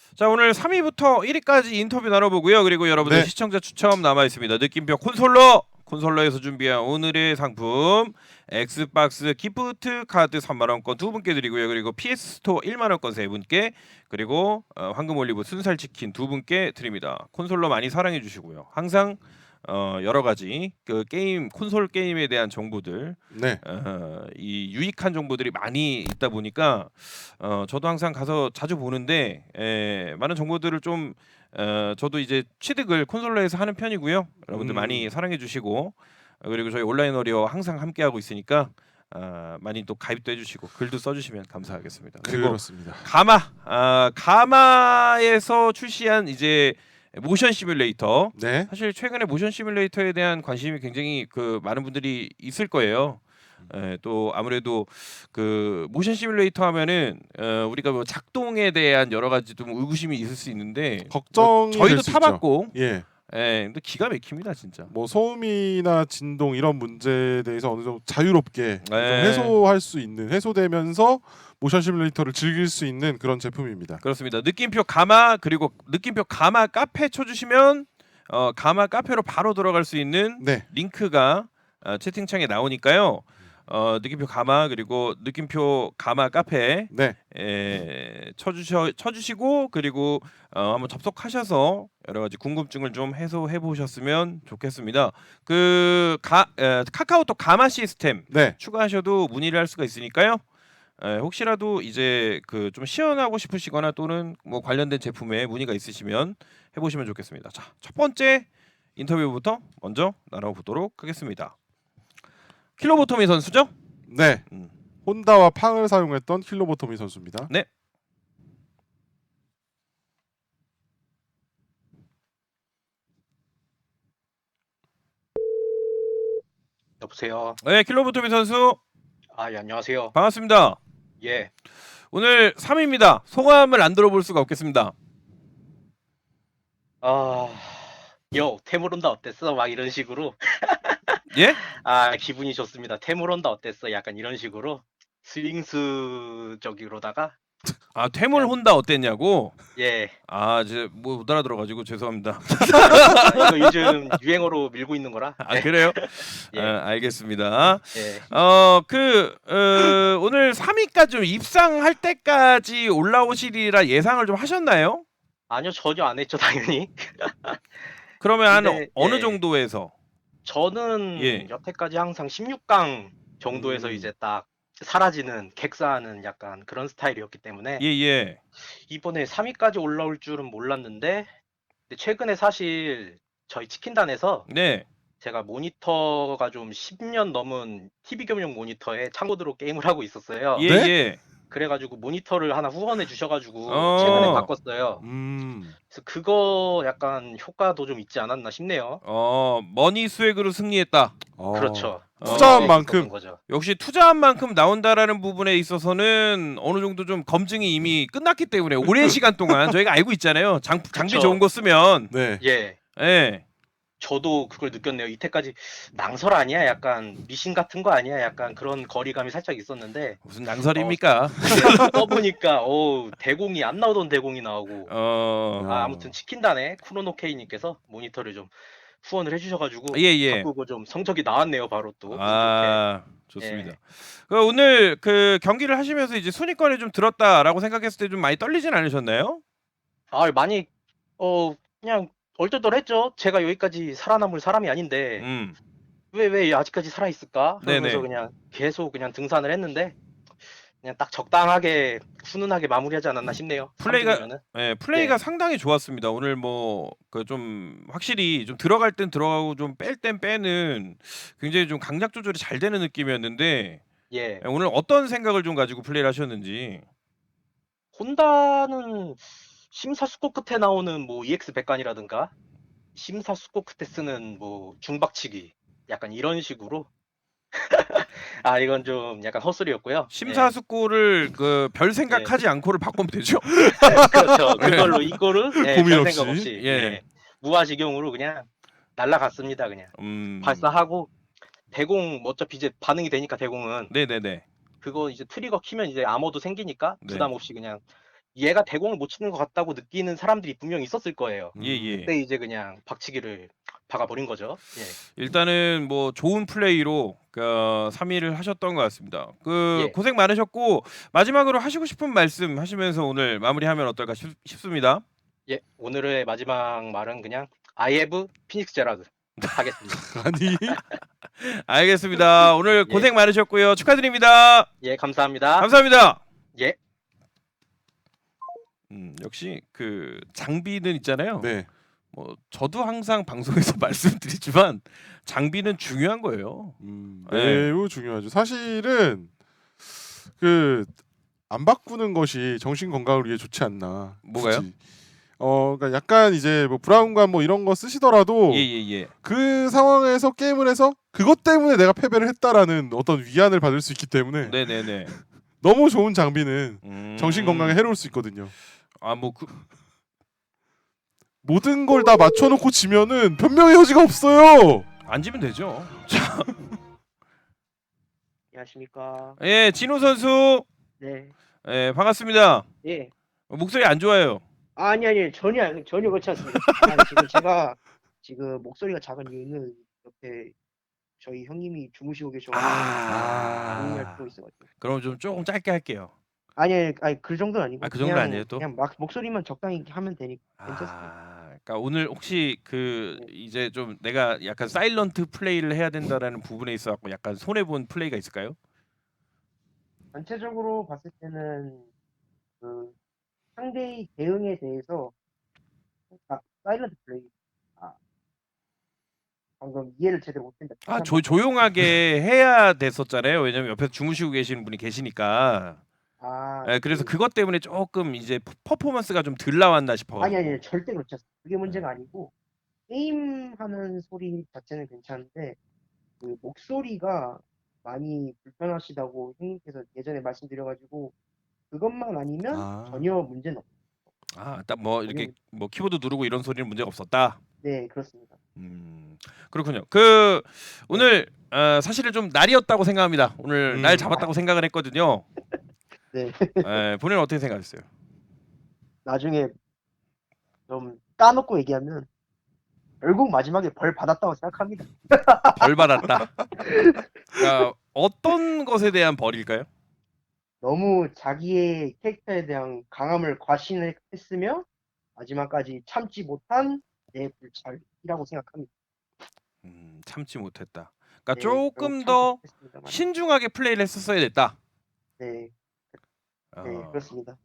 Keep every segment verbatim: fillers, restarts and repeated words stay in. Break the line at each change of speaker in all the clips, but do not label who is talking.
자, 오늘 삼 위부터 일 위까지 인터뷰 나눠보고요. 그리고 여러분들
네.
시청자 추첨 남아있습니다. 느낌표 콘솔러! 콘솔러에서 준비한 오늘의 상품 엑스박스 기프트 카드 삼만 원권 두 분께 드리고요. 그리고 피에스 스토어 일만 원권 세 분께, 그리고 어, 황금 올리브 순살 치킨 두 분께 드립니다. 콘솔러 많이 사랑해 주시고요. 항상 어, 여러 가지 그 게임 콘솔 게임에 대한 정보들,
네.
어, 이 유익한 정보들이 많이 있다 보니까 어, 저도 항상 가서 자주 보는데 에, 많은 정보들을 좀 어, 저도 이제 취득을 콘솔러에서 하는 편이고요. 여러분들
음.
많이 사랑해 주시고, 어, 그리고 저희 온라인 워리어 항상 함께 하고 있으니까 어, 많이 또 가입도 해주시고 글도 써주시면 감사하겠습니다. 그리고
그렇습니다.
가마, 아, 가마에서 출시한 이제 모션 시뮬레이터.
네.
사실 최근에 모션 시뮬레이터에 대한 관심이 굉장히 그 많은 분들이 있을 거예요. 에, 또 아무래도 그 모션 시뮬레이터 하면은 어, 우리가 뭐 작동에 대한 여러 가지 좀 의구심이 있을 수 있는데
걱정이
뭐 저희도
될 수
타봤고,
예.
예, 근데 기가 막힙니다 진짜.
뭐 소음이나 진동 이런 문제에 대해서 어느 정도 자유롭게 좀
네.
해소할 수 있는, 해소되면서 모션 시뮬레이터를 즐길 수 있는 그런 제품입니다.
그렇습니다. 느낌표 가마, 그리고 느낌표 가마 카페 쳐주시면 어, 가마 카페로 바로 들어갈 수 있는
네.
링크가 어, 채팅창에 나오니까요. 어, 느낌표 가마, 그리고 느낌표 가마 카페
네.
에, 쳐주셔 쳐주시고, 그리고 어, 한번 접속하셔서 여러 가지 궁금증을 좀 해소해 보셨으면 좋겠습니다. 그 가, 에, 카카오톡 가마 시스템
네.
추가하셔도 문의를 할 수가 있으니까요. 에, 혹시라도 이제 그 좀 시연하고 싶으시거나 또는 뭐 관련된 제품에 문의가 있으시면 해보시면 좋겠습니다. 자, 첫 번째 인터뷰부터 먼저 나눠보도록 하겠습니다. 킬로보토미 선수죠?
네.
음.
혼다와 팡을 사용했던 킬로보토미 선수입니다.
네.
여보세요.
네, 킬로보토미 선수
아, 예, 안녕하세요.
반갑습니다.
예.
오늘 삼 위입니다. 소감을 안 들어볼 수가 없겠습니다.
아, 요, 태물온다 어땠어? 막 이런 식으로.
예?
아, 기분이 좋습니다. 태물온다 어땠어? 약간 이런 식으로 스윙스적으로다가
아, 퇴물 혼다 어땠냐고?
예.
아, 이제 뭐 못 알아들어가지고 죄송합니다.
아, 이거 요즘 유행어로 밀고 있는 거라.
아, 그래요?
예.
아, 알겠습니다.
예.
어, 그 어, 오늘 삼 위까지 좀 입상할 때까지 올라오시리라 예상을 좀 하셨나요?
아니요, 전혀 안 했죠, 당연히.
그러면 한
근데,
어느
예.
정도에서?
저는
예.
여태까지 항상 십육 강 정도에서
음.
이제 딱 사라지는, 객사하는 약간 그런 스타일이었기 때문에
예, 예.
이번에 삼 위까지 올라올 줄은 몰랐는데, 근데 최근에 사실 저희 치킨단에서
네.
제가 모니터가 좀 십 년 넘은 티비 겸용 모니터에 참고드로 게임을 하고 있었어요.
예,
네?
예.
그래가지고 모니터를 하나 후원해 주셔가지고
어.
최근에 바꿨어요.
음.
그래서 그거 약간 효과도 좀 있지 않았나 싶네요.
어, 머니 수액으로 승리했다.
어.
그렇죠.
투자한
네,
만큼.
있었던 거죠.
역시 투자한 만큼 나온다라는 부분에 있어서는 어느 정도 좀 검증이 이미 끝났기 때문에 오랜 시간 동안 저희가 알고 있잖아요. 장, 장비
그쵸.
좋은 거 쓰면.
네.
예.
예.
저도 그걸 느꼈네요. 이때까지 낭설 아니야? 약간 미신 같은 거 아니야? 약간 그런 거리감이 살짝 있었는데
무슨 낭설입니까?
네, 써보니까 오, 대공이 안 나오던 대공이 나오고
어.
아, 아무튼 치킨단에 쿠로노케이님께서 모니터를 좀 후원을 해주셔가지고
예, 예.
바꾸고 좀 성적이 나왔네요. 바로 또 운 좋게.
아, 좋습니다.
예.
그 오늘 그 경기를 하시면서 이제 순위권에 좀 들었다라고 생각했을 때 좀 많이 떨리진 않으셨나요?
아, 많이 어 그냥 얼떨떨했죠. 제가 여기까지 살아남을 사람이 아닌데
음.
왜 왜 아직까지 살아 있을까? 그러면서
네네.
그냥 계속 그냥 등산을 했는데 그냥 딱 적당하게 훈훈하게 마무리하지 않았나 싶네요.
플레이가-
삼 등이면은.
예, 플레이가
네.
상당히 좋았습니다. 오늘 뭐 그 좀 확실히 좀 들어갈 땐 들어가고 좀 뺄 땐 빼는 굉장히 좀 강약 조절이 잘 되는 느낌이었는데,
예.
예, 오늘 어떤 생각을 좀 가지고 플레이를 하셨는지.
혼다는 심사숙고 끝에 나오는 뭐 이엑스 백관이라든가 심사숙고 끝에 쓰는 뭐 중박치기 약간 이런 식으로 아, 이건 좀 약간 헛소리였고요.
심사숙고를 그 별 생각하지 않고를 바꾸면 되죠.
예. 그렇죠. 그걸로 이거를 예,
고민
별
없이.
생각 없이
예.
예. 무아지경으로 그냥 날라갔습니다. 그냥
음.
발사하고 대공 어차피 이제 반응이 되니까 대공은
네네네.
그거 이제 트리거 키면 이제 암호도 생기니까
네.
부담 없이 그냥 얘가 대공을 못 치는 것 같다고 느끼는 사람들이 분명히 있었을 거예요.
음.
예예.
그때 이제 그냥 박치기를 박아버린 거죠. 예.
일단은 뭐 좋은 플레이로 그 삼 위를 하셨던 것 같습니다. 그
예.
고생 많으셨고 마지막으로 하시고 싶은 말씀 하시면서 오늘 마무리하면 어떨까 싶, 싶습니다.
예. 오늘의 마지막 말은 그냥 I have 피닉스 제라드 하겠습니다.
아니
알겠습니다. 오늘
예.
고생 많으셨고요. 축하드립니다.
예, 감사합니다.
감사합니다.
예.
음, 역시 그 장비는 있잖아요.
네.
뭐 저도 항상 방송에서 말씀드리지만 장비는 중요한 거예요.
음,
네.
매우 중요하죠. 사실은 그 안 바꾸는 것이 정신 건강을 위해 좋지 않나.
뭐가요?
굳이. 어, 그러니까 약간 이제 뭐 브라운관 뭐 이런 거 쓰시더라도
예예예. 예, 예.
그 상황에서 게임을 해서 그것 때문에 내가 패배를 했다라는 어떤 위안을 받을 수 있기 때문에
네네네.
너무 좋은 장비는
음...
정신 건강에 해로울 수 있거든요.
아뭐 그...
모든 걸 다 맞춰놓고 지면은 변명의 여지가 없어요.
앉으면 되죠.
안녕하십니까.
예, 진호 선수.
네.
예, 반갑습니다.
예.
목소리 안 좋아요.
아, 아니 아니 전혀 아니, 전혀 그렇지 않습니다. 아니, 지금 제가 지금 목소리가 작은 이유는 옆에 저희 형님이 주무시고 계셔가지고 조용히 할
아.
필요 있어가지고.
그럼 좀 조금 짧게 할게요.
아니 아니, 아니 그 정도는 아니고.
아, 그 정도는
그냥,
아니에요, 또?
그냥 막 목소리만 적당히 하면 되니까 괜찮습니다.
아, 그러니까 오늘 혹시 그
네.
이제 좀 내가 약간 사일런트 플레이를 해야 된다라는 부분에 있어 갖고 약간 손해 본 플레이가 있을까요?
전체적으로 봤을 때는 그 상대의 대응에 대해서 아, 사일런트 플레이. 아, 방금 이해를 제대로 못했다.
아, 조, 조용하게 해야 됐었잖아요. 왜냐면 옆에서 주무시고 계시는 분이 계시니까.
아,
예, 그래서
그-
그것 때문에 조금 이제 퍼- 퍼포먼스가 좀 덜 나왔나 싶어.
아니 아니 절대 그렇지 않습니다. 그게 문제가 아니고 게임하는 소리 자체는 괜찮은데 그 목소리가 많이 불편하시다고 형님께서 예전에 말씀드려가지고 그것만 아니면
아.
전혀 문제는 없어요.
아, 딱 뭐 이렇게 뭐 키보드 누르고 이런 소리는 문제가 없었다.
네, 그렇습니다.
음, 그렇군요. 그 오늘 어, 사실은 좀 날이었다고 생각합니다. 오늘
음.
날 잡았다고 생각을 했거든요.
네.
에, 본인은 어떻게 생각했어요?
나중에 좀 까놓고 얘기하면 결국 마지막에 벌 받았다고 생각합니다.
벌 받았다. 그러니까 어떤 것에 대한 벌일까요?
너무 자기의 캐릭터에 대한 강함을 과신했으며 마지막까지 참지 못한 내 불찰이라고 생각합니다.
음, 참지 못했다. 그러니까
네,
조금
결국
더
참지 못했습니다만.
신중하게 플레이를 했었어야 됐다.
네,
어,
네, 그렇습니다.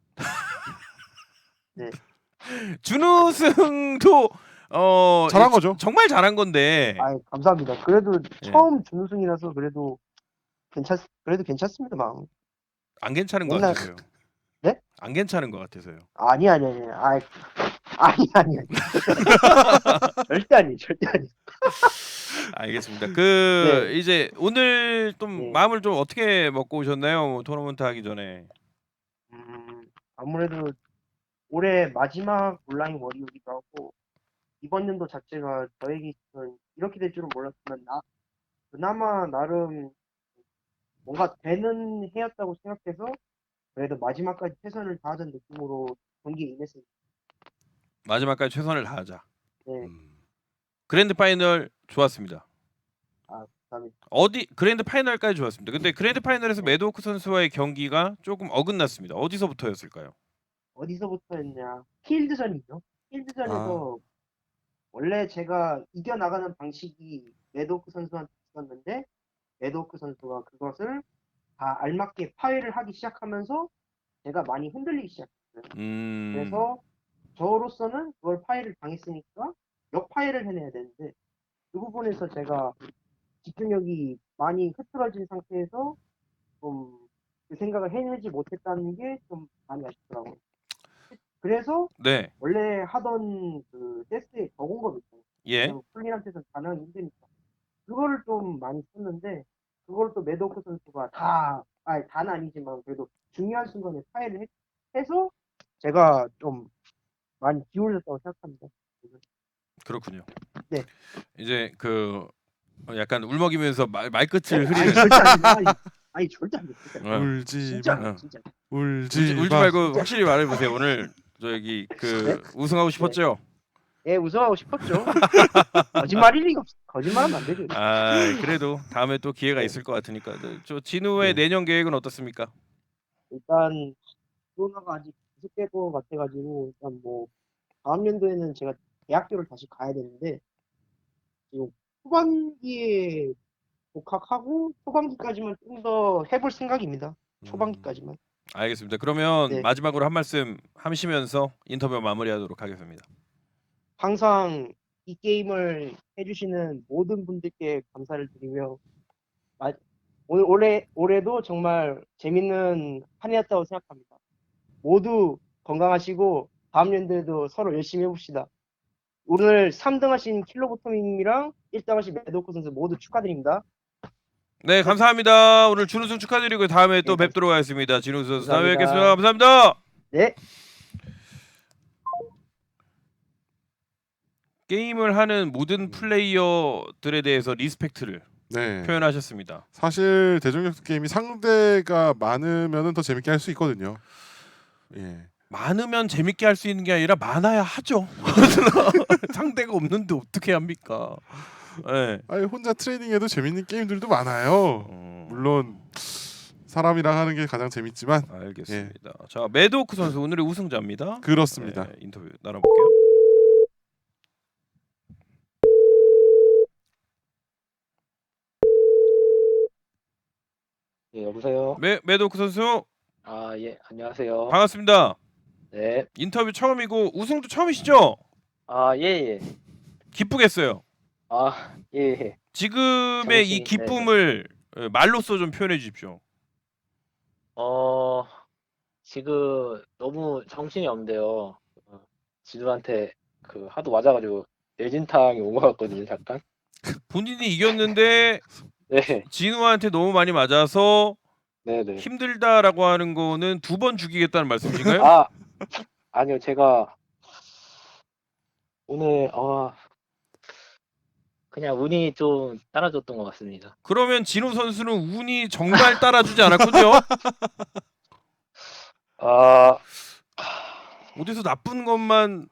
준우승도 어
잘한
이-
거죠.
정말 잘한 건데
아, 감사합니다. 그래도
예.
처음 준우승이라서 그래도 괜찮, 그래도 괜찮습니다, 마음.
안 괜찮은 것
맨날-
같아서요.
네?
안 괜찮은 것 같아서요.
아니, 아니, 아니, 아니, 아니, 아니, 아니. 절대 아니, 절대 아니.
알겠습니다. 그 이제 오늘 좀
네.
마음을 좀 어떻게 먹고 오셨나요? 뭐 토너먼트 하기 전에.
음, 아무래도 올해 마지막 온라인 월이기도 하고 이번 연도 자체가 저에게 있어서는 이렇게 될 줄은 몰랐지만 나 그나마 나름 뭔가 되는 해였다고 생각해서 그래도 마지막까지 최선을 다하던 느낌으로 경기에 임했습니다.
마지막까지 최선을 다하자.
네,
음.
그랜드 파이널 좋았습니다.
아, 감사합니다.
어디 그랜드 파이널까지 좋았습니다. 근데 그랜드 파이널에서 매드워크 선수와의 경기가 조금 어긋났습니다. 어디서부터였을까요?
어디서부터였냐? 필드전이죠. 필드전에서 원래 제가 이겨나가는 방식이 매드워크 선수한테 있었는데 매드워크 선수가 그것을 다 알맞게 파회를 하기 시작하면서 제가 많이 흔들리기 시작했어요.
음.
그래서 저로서는 그걸 파회를 당했으니까 역파회를 해내야 되는데 그 부분에서 제가 집중력이 많이 흐트러진 상태에서 좀 그 생각을 해내지 못했다는 게 좀 많이 아쉽더라고요. 그래서
네.
원래 하던 그 테스트에 적은 거 있잖아요.
예.
풀린한테서 가능하기 힘드니까 그거를 좀 많이 썼는데 그걸 또 매드워크 선수가 다 아니 다는 아니지만 그래도 중요한 순간에 파회를 했, 해서 제가 좀 많이 기울였다고 생각합니다.
그렇군요.
네.
이제 그 어, 약간 울먹이면서 말, 말끝을
아니,
흐리는
절대 아닙니다. 아니 절대 안 돼. 절대 안 돼.
어.
울지
진짜
마.
어.
진짜.
울지,
울지, 울지
마.
말고 확실히 말해보세요. 오늘 저기 그 우승하고 싶었죠?
예, 우승하고 싶었죠. 거짓말일 리가 없어. 거짓말하면 안 되죠.
아 그래도 다음에 또 기회가 있을 것 같으니까. 저 진우의
네.
내년 계획은 어떻습니까?
일단 코로나가 아직 계속될 것 같아가지고 일단 뭐 다음 연도에는 제가 대학교를 다시 가야 되는데 지금 후반기에 복학하고 초반기까지만 좀 더 해볼 생각입니다. 초반기까지만.
알겠습니다. 그러면
네.
마지막으로 한 말씀 하시면서 인터뷰 마무리하도록 하겠습니다.
항상 이 게임을 해주시는 모든 분들께 감사를 드리며 마- 오늘 올해 올해도 정말 재밌는 한 해였다고 생각합니다. 모두 건강하시고 다음 연도에도 서로 열심히 해봅시다. 오늘 삼 등 하신 킬로보토님이랑 일 등 하신 매도코 선수 모두 축하드립니다.
네 감사합니다. 오늘 준우승 축하드리고 다음에 또
네,
뵙도록 하겠습니다. 진우 선수 다음에
감사합니다.
뵙겠습니다. 감사합니다.
네.
게임을 하는 모든 플레이어들에 대해서 리스펙트를
네.
표현하셨습니다.
사실 대전격투 게임이 상대가 많으면은 더 재밌게 할 수 있거든요. 예.
많으면 재밌게 할 수 있는 게 아니라 많아야 하죠. 상대가 없는데 어떻게 합니까? 네.
아니 혼자 트레이닝해도 재밌는 게임들도 많아요.
음,
물론 사람이랑 하는 게 가장 재밌지만
알겠습니다. 자 매도크 선수 오늘의 우승자입니다.
그렇습니다.
네, 인터뷰 나눠볼게요.
예, 여보세요.
매 매도크 선수
아, 예, 안녕하세요.
반갑습니다.
네.
인터뷰 처음이고 우승도 처음이시죠?
아, 예, 예.
기쁘겠어요.
아, 예, 예.
지금의 이
정신이-
기쁨을 예, 말로써 좀 표현해 주십시오.
어, 지금 너무 정신이 없는데요. 어, 진우한테 그 하도 맞아가지고 뇌진탕이 온 것 같거든요, 잠깐.
본인이 이겼는데
네,
진우한테 너무 많이 맞아서
네, 네.
힘들다라고 하는 거는 두 번 죽이겠다는 말씀이신가요?
아, 아니요, 제가 오늘 어, 그냥 운이 좀 따라줬던 것 같습니다.
그러면 진우 선수는 운이 정말 따라주지 않았군요.
아,
어디서 나쁜 것만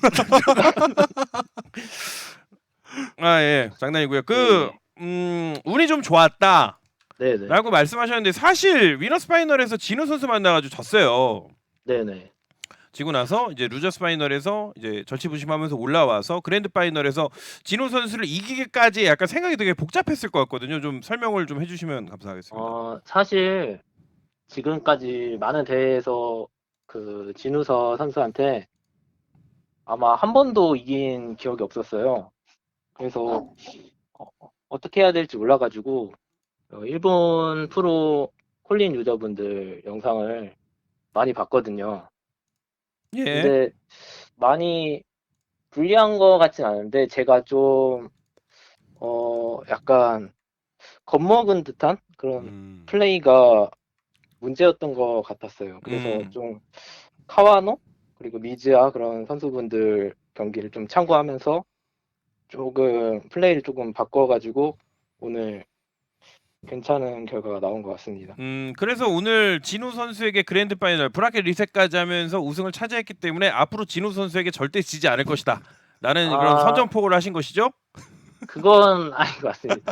아 예 장난이고요. 그 음, 운이 좀 좋았다라고
네, 네,
말씀하셨는데 사실 위너스 파이널에서 진우 선수 만나가지고 졌어요.
네, 네.
지고 나서 이제 루저스 파이널에서 이제 절치부심하면서 올라와서 그랜드 파이널에서 진우 선수를 이기기까지 약간 생각이 되게 복잡했을 것 같거든요. 좀 설명을 좀 해주시면 감사하겠습니다.
어, 사실 지금까지 많은 대회에서 그 진우서 선수한테 아마 한 번도 이긴 기억이 없었어요. 그래서 어, 어떻게 해야 될지 몰라가지고 어, 일본 프로 콜린 유저분들 영상을 많이 봤거든요.
예.
근데 많이 불리한 것 같진 않은데 제가 좀 어, 약간 겁먹은 듯한 그런
음.
플레이가 문제였던 것 같았어요. 그래서
음.
좀 카와노 그리고 미즈아 그런 선수분들 경기를 좀 참고하면서 조금 플레이를 조금 바꿔가지고 오늘 괜찮은 결과가 나온 것 같습니다.
음 그래서 오늘 진우 선수에게 그랜드 파이널 브라켓 리셋까지 하면서 우승을 차지했기 때문에 앞으로 진우 선수에게 절대 지지 않을 것이다. 라는
아.
그런 선전포고를 하신 것이죠?
그건 아닌 것 같습니다.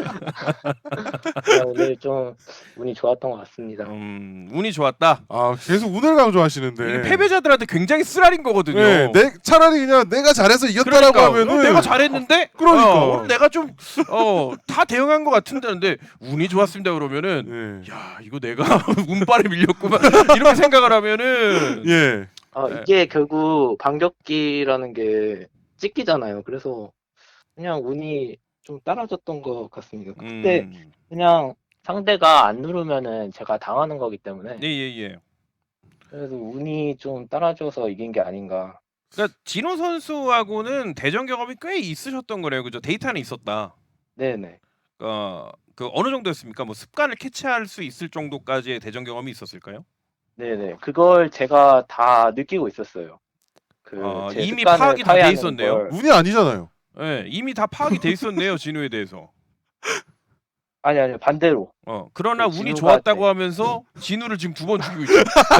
그냥 오늘 좀 운이 좋았던 것 같습니다.
음 운이 좋았다.
아 계속 운을 강조하시는데
이게 패배자들한테 굉장히 쓰라린 거거든요.
네, 내 차라리 그냥 내가 잘해서 이겼다라고
그러니까,
하면은
어, 내가 잘했는데
그러니까.
어, 오늘 내가 좀 어 다 대응한 것 같은데 근데 운이 좋았습니다 그러면은
예.
야 이거 내가 운빨에 밀렸구만 이렇게 생각을 하면은
예.
아,
네.
이게 결국 반격기라는 게 찍기잖아요. 그래서 그냥 운이 좀 따라줬던 것 같습니다. 그때
음,
그냥 상대가 안 누르면은 제가 당하는 거기 때문에
예예예.
그래서 운이 좀 따라줘서 이긴 게 아닌가.
그러니까 진호 선수하고는 대전 경험이 꽤 있으셨던 거네요, 그죠? 데이터는 있었다.
네네.
어, 그 어느 정도였습니까? 뭐 습관을 캐치할 수 있을 정도까지의 대전 경험이 있었을까요?
네네. 그걸 제가 다 느끼고 있었어요. 그
아,
제
이미
습관을
파악이 다 돼
파괴하는
있었네요.
걸.
운이 아니잖아요.
네, 이미 다 파악이 돼 있었네요, 진호에 대해서.
아니 아니 반대로.
어 그러나
그
운이
진우가
좋았다고
네.
하면서 진우를 지금 두 번 죽이고 있죠.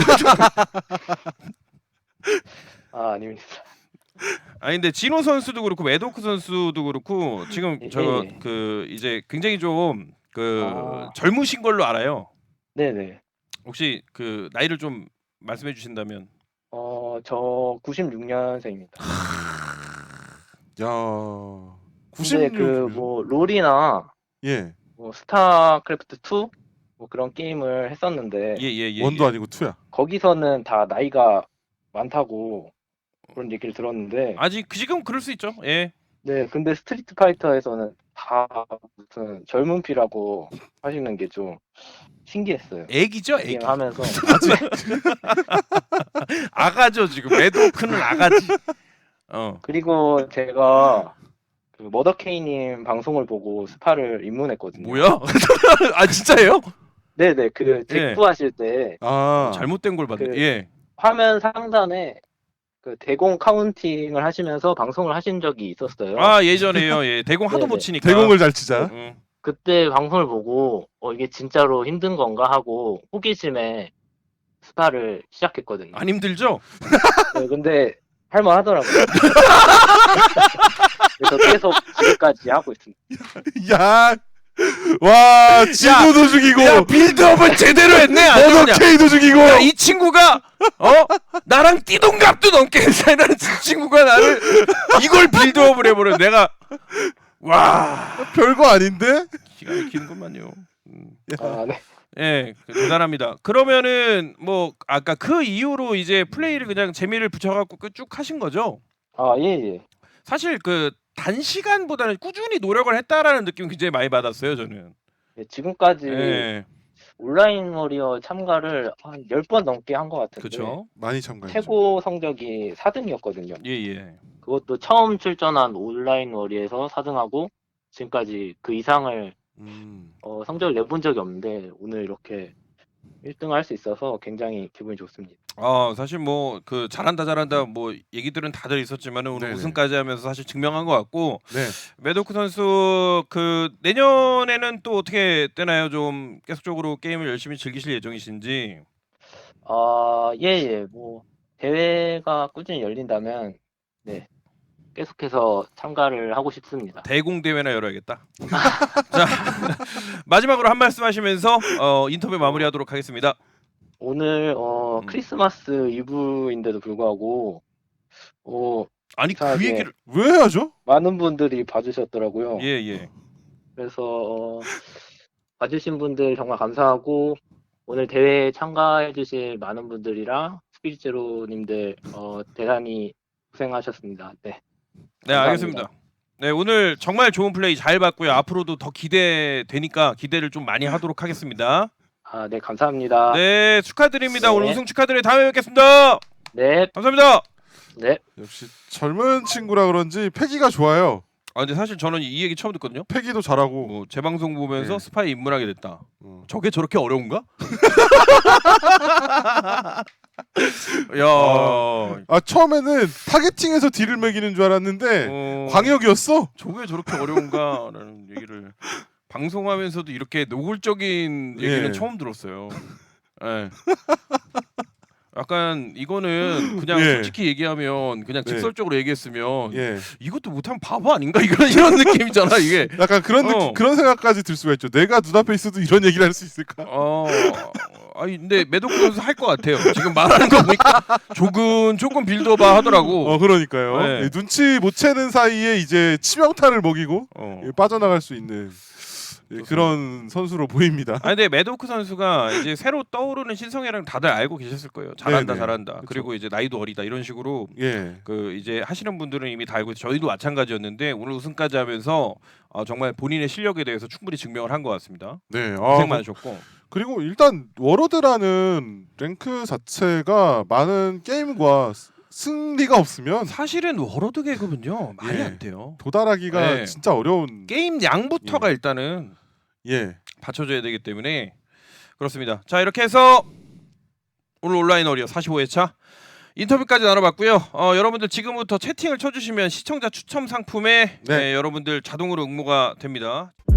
아 아닙니다.
아니 근데 진호 선수도 그렇고 매도크 선수도 그렇고 지금
예,
저
예.
그 이제 굉장히 좀 그
아.
젊으신 걸로 알아요.
네네.
혹시 그 나이를 좀 말씀해 주신다면.
어저 구십육 년생입니다.
야,
근데
구십육.
그 뭐 롤이나
예,
뭐 스타크래프트 투 뭐 그런 게임을 했었는데
예예 예.
원도
예.
아니고 투야.
거기서는 다 나이가 많다고 그런 얘기를 들었는데
아직 지금 그럴 수 있죠. 예.
네 근데 스트리트 파이터에서는 다 무슨 젊은 피라고 하시는 게 좀 신기했어요.
애기죠, 애기.
게임 하면서
아가죠 지금. 매도크는 아가지. 어.
그리고 제가 그 머더케이님 방송을 보고 스파를 입문했거든요.
뭐야? 아 진짜예요?
네네 그
예.
잭프 하실 때
아,
잘못된 걸 봤네.
그-
예.
화면 상단에 그 대공 카운팅을 하시면서 방송을 하신 적이 있었어요.
아 예전에요. 예. 대공 하도
네네.
못 치니까.
대공을 잘 치자.
응.
그때 방송을 보고 어 이게 진짜로 힘든 건가 하고 호기심에 스파를 시작했거든요.
안 힘들죠?
네, 근데 할만하더라고요. 그래서 계속 지금까지 하고 있습니다.
야, 와, 진우도 죽이고,
야 빌드업을 제대로 했네. 아주 그냥.
머더케이도 죽이고.
야, 이 친구가 어 나랑 띠동갑도 넘게 사이다는 친구가 나를 이걸 빌드업을 해버려. 내가 와
별거 아닌데?
기가 막히는구만요. 음.
아, 네.
예, 대단합니다. 그러면은 뭐 아까 그 이후로 이제 플레이를 그냥 재미를 붙여갖고 그 쭉 하신 거죠?
아, 예, 예.
사실 그 단시간보다는 꾸준히 노력을 했다라는 느낌 굉장히 많이 받았어요, 저는.
예, 지금까지
예,
온라인 워리어 참가를 한 열 번 넘게 한 것 같은데
그렇죠.
많이 참가했죠.
최고 성적이 사 등이었거든요.
예, 예.
그것도 처음 출전한 온라인 워리에서 사 등하고 지금까지 그 이상을
음,
어, 성적을 내본 적이 없는데 오늘 이렇게 일 등을 할 수 있어서 굉장히 기분이 좋습니다.
아 사실 뭐 그 잘한다 잘한다 뭐 얘기들은 다들 있었지만은 오늘
네네.
우승까지 하면서 사실 증명한 것 같고
네.
매도크 선수 그 내년에는 또 어떻게 되나요? 좀 계속적으로 게임을 열심히 즐기실 예정이신지.
아, 예, 예. 뭐 대회가 꾸준히 열린다면 네. 계속해서 참가를 하고 싶습니다.
대공 대회나 열어야겠다. 자 마지막으로 한 말씀 하시면서 어, 인터뷰 마무리하도록 하겠습니다.
오늘 어,
음.
크리스마스 이브인데도 불구하고 어,
아니 그
이상하게
얘기를
왜 해야죠?
많은 분들이 봐주셨더라고요.
예 예.
그래서 어, 봐주신 분들 정말 감사하고 오늘 대회에 참가해주실 많은 분들이랑 스피릿제로님들 어, 대단히 고생하셨습니다. 네,
네
감사합니다.
알겠습니다. 네 오늘 정말 좋은 플레이 잘 봤고요. 앞으로도 더 기대되니까 기대를 좀 많이 하도록 하겠습니다.
아, 네, 감사합니다.
네 축하드립니다.
네.
오늘 우승 축하드려요. 다음에 뵙겠습니다.
네,
감사합니다.
네.
역시 젊은 친구라 그런지 패기가 좋아요.
아 근데 사실 저는 이 얘기 처음 듣거든요.
패기도 잘하고.
뭐 재방송 보면서
네.
스파이 입문하게 됐다.
어.
저게 저렇게 어려운가? 야,
아. 아 처음에는 타겟팅에서 딜을 매기는 줄 알았는데
어,
광역이었어.
저게 저렇게 어려운가라는 얘기를 방송하면서도 이렇게 노골적인 얘기는
예.
처음 들었어요. 예. 약간 이거는 그냥
예.
솔직히 얘기하면 그냥
네.
직설적으로 얘기했으면
예.
이것도 못하면 바보 아닌가 이런 이런 느낌이잖아 이게.
약간 그런 느낌,
어.
그런 생각까지 들 수가 있죠. 내가 눈앞에 있어도 이런 얘기를 할 수 있을까?
어, 아니 근데 매도크 선수 할 것 같아요. 지금 말하는 거 보니까 조금 조금 빌드업아 하더라고.
어 그러니까요.
네.
예, 눈치 못 채는 사이에 이제 치명타를 먹이고
어.
예, 빠져나갈 수 있는 예, 그런 선수로 보입니다.
아 근데 매도크 선수가 이제 새로 떠오르는 신성애랑 다들 알고 계셨을 거예요. 잘한다
네네.
잘한다.
그쵸.
그리고 이제 나이도 어리다 이런 식으로
예.
그 이제 하시는 분들은 이미 다 알고 있어요. 저희도 마찬가지였는데 오늘 우승까지 하면서 어, 정말 본인의 실력에 대해서 충분히 증명을 한 것 같습니다.
네. 아,
고생 많으셨고.
그리고 일단 워로드라는 랭크 자체가 많은 게임과 스- 승리가 없으면
사실은 워로드 계급은요 말이
예.
안 돼요.
도달하기가
네.
진짜 어려운.
게임 양부터가
예.
일단은
예.
받쳐줘야 되기 때문에 그렇습니다. 자 이렇게 해서 오늘 온라인 어리어 사십오 회차 인터뷰까지 나눠봤고요. 어, 여러분들 지금부터 채팅을 쳐주시면 시청자 추첨 상품에
네.
네, 여러분들 자동으로 응모가 됩니다.